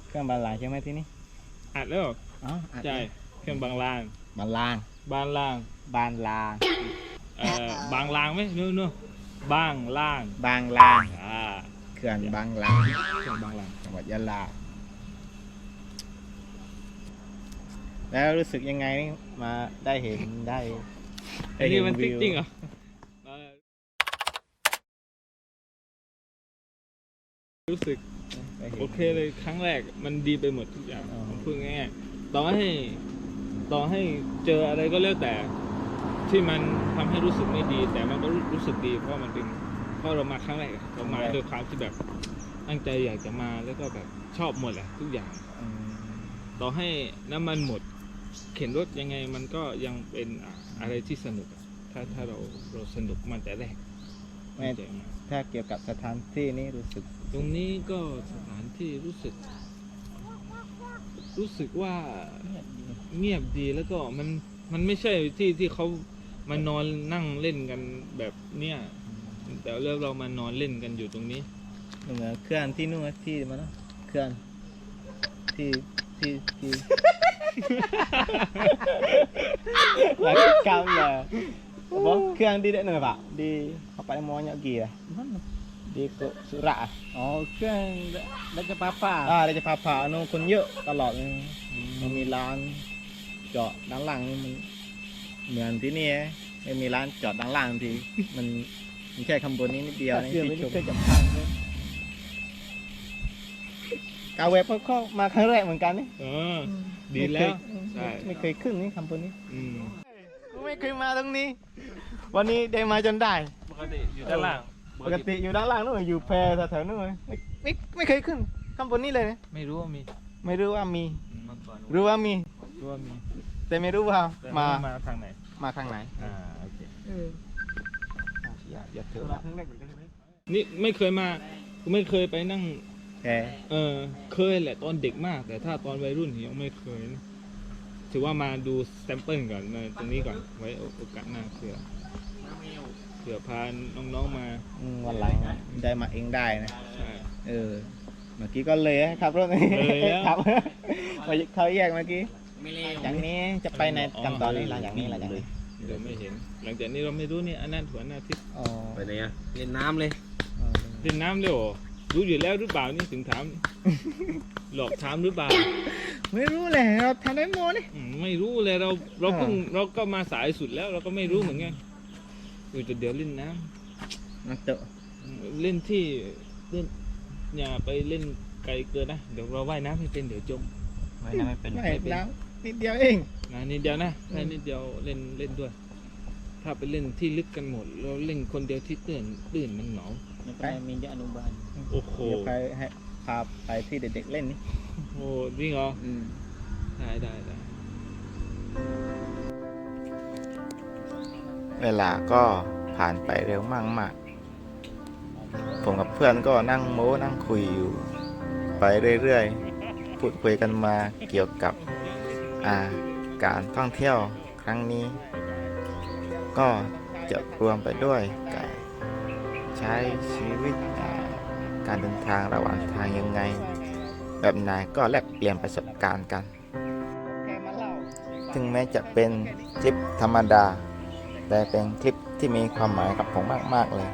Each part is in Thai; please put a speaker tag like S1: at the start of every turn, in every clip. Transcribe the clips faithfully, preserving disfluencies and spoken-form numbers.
S1: เครื่องบานลางใช่ไหมที่นี่
S2: อัดแล้ว
S1: อ๋ออัด
S2: ใช่เครื่องบางลาง
S1: บานลาง
S2: บางลาง
S1: บานลาง
S2: เอ่อบางลางไหมนู่นนู่นบางลาง
S1: บางลาง
S2: อ่า
S1: เขื่อนบางลาง
S2: เครื่องบางลาง
S1: จังหวัดยะลาแล้วรู้สึกยังไงมาได้เห็นได้
S2: อันนี้มันจริงเหรอรู้สึกโอเคเลยครั้งแรกมันดีไปหมดทุกอย่างผมพูดง่ายๆต่อให้ต่อให้เจออะไรก็แล้วแต่ที่มันทำให้รู้สึกไม่ดี แต่มันก็รู้สึกดีเพราะมันเป็นเพราะเรามาครั้งแรกเรามาด้วยความที่แบบตั้งใจอยากจะมาแล้วก็แบบชอบหมดแหละทุกอย่างต่อให้น้ำมันหมดเข็นรถยังไงมันก็ยังเป็นอะไรที่สนุกถ้าถ้าเราเราสนุกมันแต่แรกไม่ใจมา
S1: ถ้าเกี่ยวกับสถานที่นี้รู้สึก
S2: ตรงนี้ก็สถานที่รู้สึก รู้สึกว่าเงียบดีแล้วก็มันมันไม่ใช่ที่ที่เขามานอนนั่งเล่นกันแบบเนี้ยแต่เรื่องเรามานอนเล่นกันอยู่ตรงนี้
S1: เหมือนเครื่องที่นู่นที่มันนะเครื่องที่ที่ที่หลักกรรมเลยบอกเครื่องดีได้หน่อยปะดีเขาไปมอญกี่อะดีกุสุระอ๋อเครื่องราชพาผ่าอ่าราชพาผ่าโน่คนเยอะตลอดเลยมันมีร้านจอดด้านหลังมันเหมือนที่นี่ไม่มีร้านจอดด้านหลังทีมันมันแค่คำบนนี้นิดเดียวนี่ที่ชมกาเว็บเขามาครั้งแรกเหมือนกันนี่
S2: เออดีแล้ว
S1: ใช่ไม่เคยขึ้นนี่คำบนนี้
S2: อืม
S1: ไม่เคยมาตรงนี้วันนี้ได้มาจนได้
S2: ปกติอยู่ด้านล่าง
S1: ปกติอยู่ด้านล่างนู่นอยู่แพร่แถวๆนู่นไม่ไม่ไม่เคยขึ้นคำบนนี้เลย
S2: ไม่รู้ว่ามี
S1: ไม่รู้ว่ามีรู้ว่ามี
S2: รู้ว่ามี
S1: แต่ไม่รู้ว่ามา
S2: มาทางไหน
S1: มาทางไหน
S2: อ่าโอเค
S1: อย่าอย่าเถอะ
S2: นี่ไม่เคยมาไม่เคยไปนั่ง
S1: แพ
S2: เออเคยแหละตอนเด็กมากแต่ถ้าตอนวัยรุ่นยังไม่เคยนะถือว่ามาดูแซมเปิลก่อนมาตรงนี้ก่อนไว้โอกาสหน้าเผื่อเผื่อพาน้องๆมา
S1: วันหลังได้มาเองได้นะ
S2: ใช่
S1: เออเมื่อกี้ก็เลยครับรถนี้ครับเขาแยกเมื่อกี้อย่างนี้จะไปในกันตอนนี้หลังอย่างนี้หลังอย่างนี้
S2: เดี๋ยวไม่เห็นหลังจากนี้เราไม่รู้นี่อันนั้นถั่วหน้าทิพย์
S3: ไปไหนอะเล่นน้ำเลย
S2: เล่นน้ำเลยโอ้รู้อยู่แล้วหรือเปล่านี่ถึงถามหลอกถามหรือเปล่า
S1: ไม่รู้เลยเราทำได้โมนี่
S2: ไม่รู้เลยเราเราเพิ่งเราก็มาสายสุดแล้วเราก็ไม่รู้เหมือนกันอยู่จุดเดียวเล่นน้
S1: ำนักเตะ
S2: เล่นที่เล่นอย่าไปเล่นไกลเกินนะเดี๋ยวเราว่ายน้ำไม่เป็นเดี๋ยวจม
S1: ว่ายน้ำไม่เป็นว่ายน้ำนิดเดียวเอง
S2: นะนิดเดียวนะแค่นิดเดียวเล่นเล่นด้วยถ้าไปเล่นที่ลึกกันหมดเราเล่นคนเดียวที่ตื่นตื่นมันเหงา
S1: ไปมีเด็กอนุบาล
S2: โอ้โห
S1: ไปให้พาไปที่เด็กๆเล่นนี่
S2: โอ้จริงเหรอได้ได้ได้
S1: เวลาก็ผ่านไปเร็วมากมากผมกับเพื่อนก็นั่งโม้นั่งคุยอยู่ไปเรื่อยๆพูดคุยกันมาเกี่ยวกับอาการท่องเที่ยวครั้งนี้ก็จะรวมไปด้วยการใช้ชีวิตการเดินทางระหว่างทางยังไงแบบไหนก็แลกเปลี่ยนประสบการณ์กันถึงแม้จะเป็นคลิปธรรมดาแต่เป็นคลิปที่มีความหมายกับผมมากๆเลย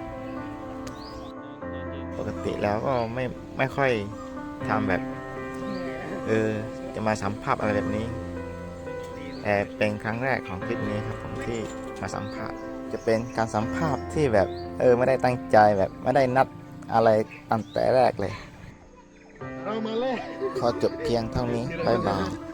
S1: ปกติแล้วก็ไม่ไม่ค่อยทำแบบเออจะมาสัมภาษณ์อะไรแบบนี้แต่เป็นครั้งแรกของคลิปนี้ครับผมที่มาสัมภาษณ์จะเป็นการสัมภาษณ์ที่แบบเออไม่ได้ตั้งใจแบบไม่ได้นัดอะไรตั้งแต่แรกเลยเรามาเลยขอจบเพียงเท่านี้บ๊ายบาย